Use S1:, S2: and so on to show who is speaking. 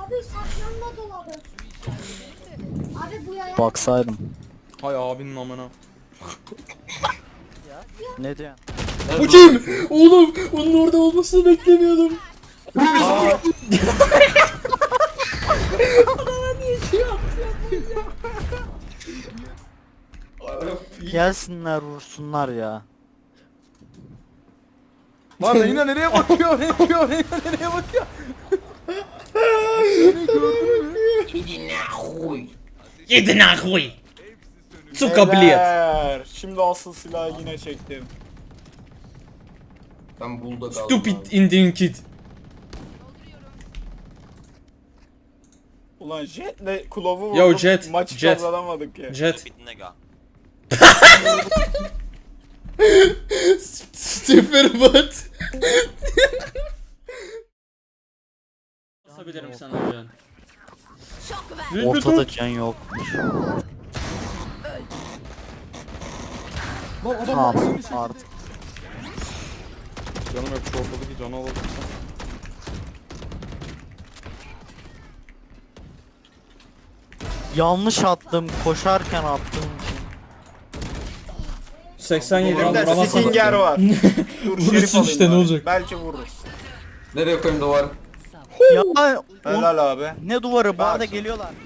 S1: Abi saklanma dolabı. Abi bu yaya.
S2: Baksaydım.
S3: Hay abinin amına.
S2: Ne diyorsun?
S3: Bu kim? Oğlum onun orada olmasını beklemiyordum.
S2: Gelsinler vursunlar ya.
S3: Lan Reyna nereye bakıyor? Reyna nereye bakıyor?
S4: Yedi nahuy. Suka bilet.
S5: Beyler, şimdi asıl silahı yine çektim.
S6: Ben bulda kaldım.
S4: Stupid Indian kid.
S5: Ulan Jet'le Kulov'u vurdum.
S4: Yo, Jet,
S5: Maçı
S4: Jet.
S5: kazanamadık ya.
S4: Jet.
S7: Nega.
S4: Stephen Butt. Basabilirim sana can.
S2: Ortada can yokmuş. Tamam artık.
S3: Canım yok şu ortadaki canı alalım.
S2: Yanlış attım. Koşarken attım.
S4: 87
S5: Elimde
S4: vuramazsın.
S5: Stinger var. Dur
S4: Vurursun
S5: Şerif alayım
S4: işte, ne
S5: bari.
S4: olacak?
S5: Belki vururuz.
S6: Nereye koyayım duvar?
S2: Ya
S5: Helal abi.
S2: ne duvarı? Bana
S5: Bak.
S2: da geliyorlar.